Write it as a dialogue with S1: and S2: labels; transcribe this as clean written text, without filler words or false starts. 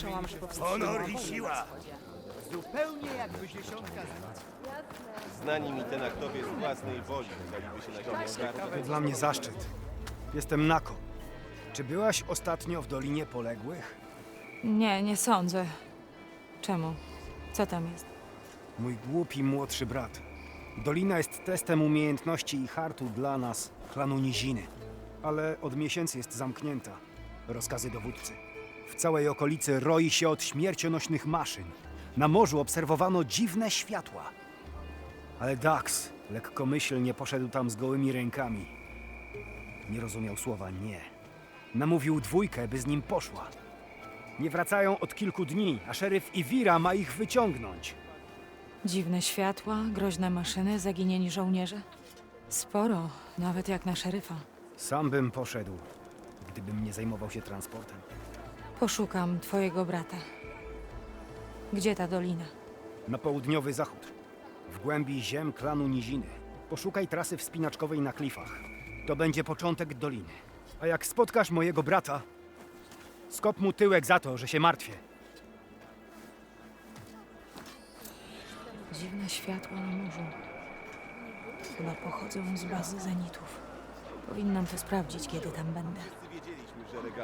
S1: Słyszałam, że powstrzymała
S2: Honor i
S1: wojnę
S2: siła.
S1: na wschodzie.
S3: Zupełnie jakby dziesiątka
S4: Znani mi ten aktowie z własnej woli udaliby się na ziemię ogarnąć.
S5: To dla mnie zaszczyt. Jestem Nako. Czy byłaś ostatnio w Dolinie Poległych?
S6: Nie, nie sądzę. Czemu? Co tam jest?
S5: Mój głupi młodszy brat. Dolina jest testem umiejętności i hartu dla nas, klanu Niziny. Ale od miesięcy jest zamknięta. Rozkazy dowódcy. W całej okolicy roi się od śmiercionośnych maszyn. Na morzu obserwowano dziwne światła. Ale Dax lekkomyślnie poszedł tam z gołymi rękami. Nie rozumiał słowa nie. Namówił dwójkę, by z nim poszła. Nie wracają od kilku dni, a szeryf Iwira ma ich wyciągnąć.
S6: Dziwne światła, groźne maszyny, zaginieni żołnierze? Sporo, nawet jak na szeryfa.
S5: Sam bym poszedł, gdybym nie zajmował się transportem.
S6: Poszukam twojego brata. Gdzie ta dolina?
S5: Na południowy zachód, w głębi ziem klanu Niziny. Poszukaj trasy wspinaczkowej na klifach. To będzie początek doliny. A jak spotkasz mojego brata, skop mu tyłek za to, że się martwię.
S6: Dziwne światła na morzu. Chyba pochodzą z bazy zenitów. Powinnam to sprawdzić, kiedy tam będę.
S4: Wiedzieliśmy, że